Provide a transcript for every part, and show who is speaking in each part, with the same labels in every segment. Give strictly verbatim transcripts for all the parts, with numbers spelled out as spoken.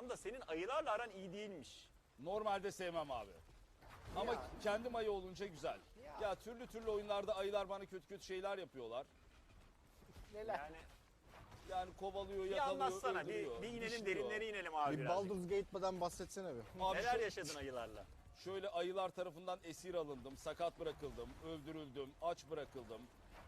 Speaker 1: Panda senin ayılarla aran iyi değilmiş.
Speaker 2: Normalde sevmem abi. Ama
Speaker 3: Ya.
Speaker 2: kendim ayı olunca güzel.
Speaker 3: Ya.
Speaker 2: Ya türlü türlü oyunlarda ayılar bana kötü kötü şeyler yapıyorlar.
Speaker 3: Neler?
Speaker 1: Yani
Speaker 2: Yani kovalıyor,
Speaker 1: bir
Speaker 2: yakalıyor,
Speaker 1: anlatsana, bir,
Speaker 2: öldürüyor,
Speaker 1: bir inelim
Speaker 2: dişliyor.
Speaker 1: derinlere inelim abi
Speaker 4: Bir
Speaker 1: birazcık.
Speaker 4: Baldur's Gate'den bahsetsene bir.
Speaker 2: Abi
Speaker 1: Neler
Speaker 2: şu-
Speaker 1: yaşadın ayılarla?
Speaker 2: Şöyle ayılar tarafından esir alındım, sakat bırakıldım, öldürüldüm, aç bırakıldım.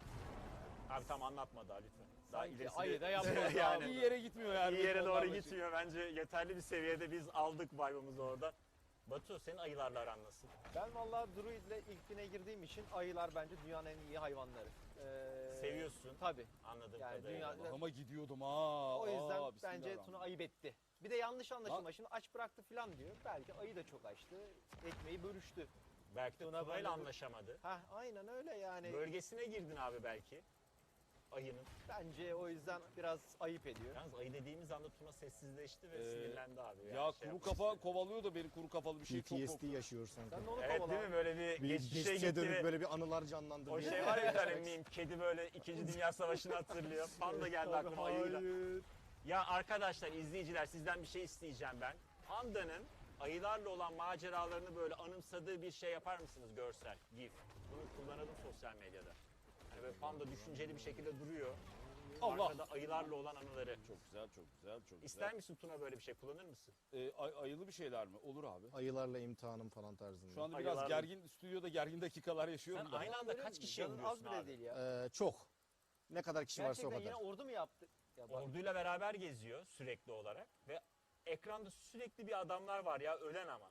Speaker 1: Abi tam anlatma daha lütfen. Daha
Speaker 3: Sanki
Speaker 1: ilerisi
Speaker 3: ayı
Speaker 1: de-
Speaker 3: da yapmadı
Speaker 1: yani.
Speaker 2: İyi yere gitmiyor yani.
Speaker 1: İyi yere
Speaker 2: benim
Speaker 1: doğru
Speaker 2: onlarla şey.
Speaker 1: gitmiyor. Bence yeterli bir seviyede biz aldık vibe'ımızı orada. Batu senin ayılarla aran nasıl?
Speaker 3: Ben vallahi Druid'le ilk bine girdiğim için ayılar bence dünyanın en iyi hayvanları. Ee,
Speaker 1: Seviyorsun.
Speaker 3: Tabii.
Speaker 1: Anladığım
Speaker 3: Yani
Speaker 1: kadarıyla.
Speaker 3: dünya-
Speaker 2: Ama gidiyordum ha.
Speaker 3: O yüzden
Speaker 2: Aa,
Speaker 3: bence
Speaker 2: bismillahirrahmanirrahim.
Speaker 3: Tuna ayıp etti. Bir de yanlış anlaşılma.
Speaker 2: Lan-
Speaker 3: Şimdi aç bıraktı falan diyor. Belki ayı da çok açtı. Ekmeği bölüştü.
Speaker 1: Belki de
Speaker 3: Tuna
Speaker 1: Tuna'yla
Speaker 3: böyle bir-
Speaker 1: anlaşamadı.
Speaker 3: Hah aynen öyle yani.
Speaker 1: Bölgesine girdin abi belki. Ayının.
Speaker 3: Bence o yüzden biraz ayıp ediyor.
Speaker 1: Yalnız ayı dediğimiz anda Tuna sessizleşti ve
Speaker 2: Ee,
Speaker 1: sinirlendi abi. Yani
Speaker 2: Ya
Speaker 1: şey
Speaker 2: kuru
Speaker 1: yapmıştı.
Speaker 2: kafa kovalıyor da beni kuru kafalı bir şey çok
Speaker 4: P T S D
Speaker 2: korkuyor.
Speaker 4: yaşıyor sanki.
Speaker 3: Sen de onu
Speaker 1: Evet
Speaker 3: kovala.
Speaker 1: değil mi böyle bir,
Speaker 4: Bir
Speaker 1: geçmişe
Speaker 4: geçmişe
Speaker 1: gitti
Speaker 4: dönüp
Speaker 1: ve
Speaker 4: böyle bir anılar canlandı.
Speaker 1: o şey var ya bir tane meme, kedi böyle İkinci Dünya Savaşı'nı hatırlıyor. Panda geldi aklıma ayıyla.
Speaker 3: Hayır.
Speaker 1: Ya arkadaşlar, izleyiciler sizden bir şey isteyeceğim ben. Panda'nın ayılarla olan maceralarını böyle anımsadığı bir şey yapar mısınız görsel, gif? Bunu kullanalım sosyal medyada. Hani böyle Panda düşünceli bir şekilde duruyor.
Speaker 2: Allah!
Speaker 1: Arkada ayılarla olan anıları.
Speaker 2: Çok güzel, çok güzel, çok güzel.
Speaker 1: İster misin Tuna böyle bir şey, kullanır mısın?
Speaker 2: Ee, ay- ayılı bir şeyler mi? Olur abi.
Speaker 4: Ayılarla imtihanım falan tarzında.
Speaker 2: Şu anda biraz
Speaker 1: Ayılarla-
Speaker 2: gergin, stüdyoda gergin dakikalar
Speaker 1: Sen
Speaker 2: yaşıyorum da.
Speaker 1: aynı anda kaç kişi
Speaker 3: Canın az
Speaker 1: öldürüyorsun
Speaker 3: bile
Speaker 1: abi?
Speaker 3: değil ya.
Speaker 4: Ee, çok. Ne kadar kişi varsa o
Speaker 3: Gerçekten
Speaker 4: kadar.
Speaker 3: yine ordu mu yaptı? Ya bak,
Speaker 1: Orduyla beraber geziyor sürekli olarak ve ekranda sürekli bir adamlar var ya, ölen ama.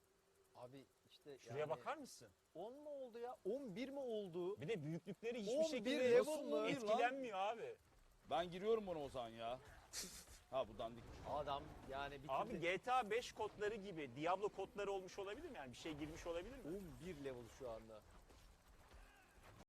Speaker 3: abi işte
Speaker 1: Şuraya
Speaker 3: yani
Speaker 1: bakar mısın?
Speaker 3: on mu oldu ya? on bir mi oldu?
Speaker 1: Bir de büyüklükleri hiçbir
Speaker 3: on bir
Speaker 1: şekilde
Speaker 3: level mı?
Speaker 1: etkilenmiyor abi.
Speaker 2: Ben giriyorum buna o zaman ya. Ha bu dandik.
Speaker 3: Adam yani bitirdi.
Speaker 1: Abi G T A beş kodları gibi Diablo kodları olmuş olabilir mi? Yani bir şey girmiş olabilir mi?
Speaker 3: on bir level şu anda.